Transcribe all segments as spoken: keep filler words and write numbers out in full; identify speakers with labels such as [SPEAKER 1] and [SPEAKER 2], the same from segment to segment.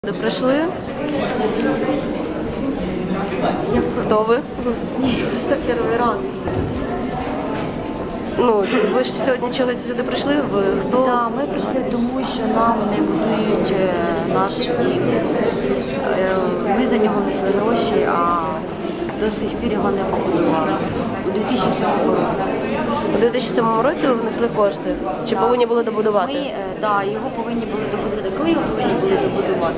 [SPEAKER 1] Де прийшли?
[SPEAKER 2] Я...
[SPEAKER 1] Хто ви?
[SPEAKER 2] Ні, просто перший раз.
[SPEAKER 1] Ну, ви ж сьогодні чогось сюди прийшли? Ви хто?
[SPEAKER 2] Так, да, ми прийшли тому, що нам не будують е, наш дім. Е, Ми за нього несли гроші, а до сих пір його не побудували. У дві тисячі сьомому році.
[SPEAKER 1] У дві тисячі сьомому році ви внесли кошти? Чи
[SPEAKER 2] Да.
[SPEAKER 1] повинні були добудувати?
[SPEAKER 2] Ми, е, да, його повинні були добудувати. Коли його повинні були добудувати?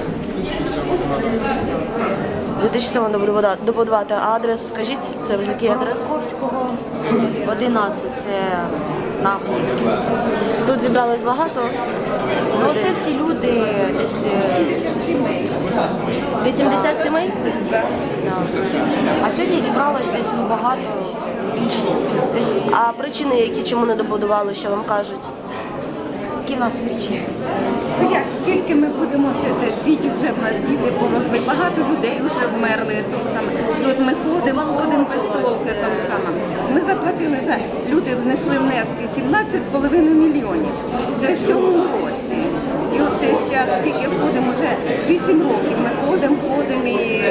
[SPEAKER 1] У дві тисячі сьомому добудувати, добудувати. А адресу скажіть? Це в якій адресі?
[SPEAKER 2] Московського, одинадцять, це на Гнівці.
[SPEAKER 1] Тут зібралось багато?
[SPEAKER 2] Ну, це всі люди десь... е,
[SPEAKER 1] вісімдесят сімей?
[SPEAKER 2] Да. А сьогодні зібралось десь ну, багато, більше, десь вісімдесят.
[SPEAKER 1] А причини, які чому не добудували, що вам кажуть?
[SPEAKER 2] Які в нас причини?
[SPEAKER 3] Ну як, скільки ми будемо це діти вже в нас діти поросли, багато людей вже вмерли там саме. І от ми ходимо, ходимо без толки там саме. Ми заплатили за люди, внесли внески сімнадцять з половиною мільйонів. Це в цьому році. І оце зараз, скільки ходимо, вже вісім років. Ми ходимо, ходимо і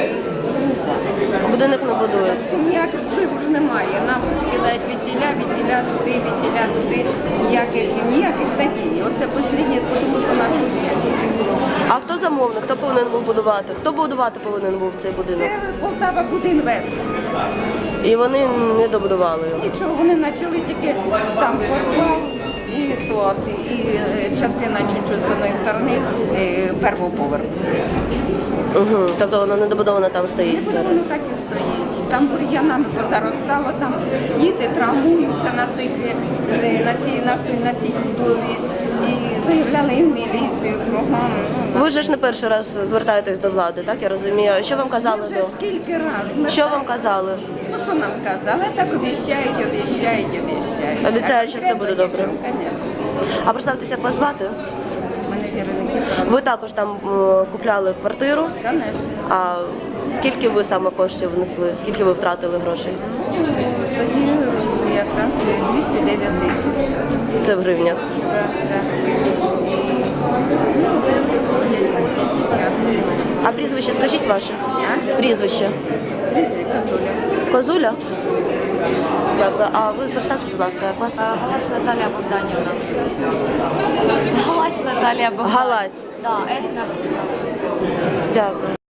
[SPEAKER 1] Будинок не будують.
[SPEAKER 3] це ніяких впливу ж немає. Нам кидають від тіля, від тіля туди, від тіля туди. Ніяких, ніяких надій. Оце останнє, тому що у нас тут.
[SPEAKER 1] А хто замовник? Хто повинен був будувати? Хто будувати повинен був цей будинок?
[SPEAKER 3] Це Полтава Будінвест.
[SPEAKER 1] І вони не добудували його.
[SPEAKER 3] Нічого, вони почали тільки там подвал і то, і е, частина чуть-чуть з одної сторони е, першого поверху.
[SPEAKER 1] Угу. Тобто воно не добудовано там стоїть
[SPEAKER 3] Воно
[SPEAKER 1] зараз.
[SPEAKER 3] так і стоїть. Там бур'янами позаростало, там діти травмуються на цих е, на цій на, той- на цій будові і заявляли і в міліцію кругом. Ну,
[SPEAKER 1] Ви ж не перший раз звертаєтесь до влади, так? Я розумію. Що вам
[SPEAKER 3] ми
[SPEAKER 1] казали
[SPEAKER 3] вже
[SPEAKER 1] до?
[SPEAKER 3] скільки разів.
[SPEAKER 1] Що вам казали?
[SPEAKER 3] Ну що нам казали? Так обіщають, обіщають, обіщають.
[SPEAKER 1] Обіцяють, що все буде добре.
[SPEAKER 3] Звісно.
[SPEAKER 1] А представтеся, як вас звати?
[SPEAKER 3] Мене віровики.
[SPEAKER 1] Ви також там м, купляли квартиру.
[SPEAKER 3] Звісно.
[SPEAKER 1] А скільки ви саме коштів внесли? Скільки ви втратили грошей?
[SPEAKER 3] Тоді якраз двісті дев'ять тисяч.
[SPEAKER 1] Це в гривнях.
[SPEAKER 3] Да, да. І ну, люди ходять, ходять, і дякую.
[SPEAKER 1] А прізвище скажіть ваше?
[SPEAKER 3] А?
[SPEAKER 1] Прізвище.
[SPEAKER 3] Козуля.
[SPEAKER 1] Козуля? Дякую. А ви представтесь, будь ласка, як вас?
[SPEAKER 2] А, Галась Наталія Богданівна. Галась Наталія Богданівна.
[SPEAKER 1] Галась.
[SPEAKER 2] Да, С м'яко ставиться.
[SPEAKER 1] Дякую.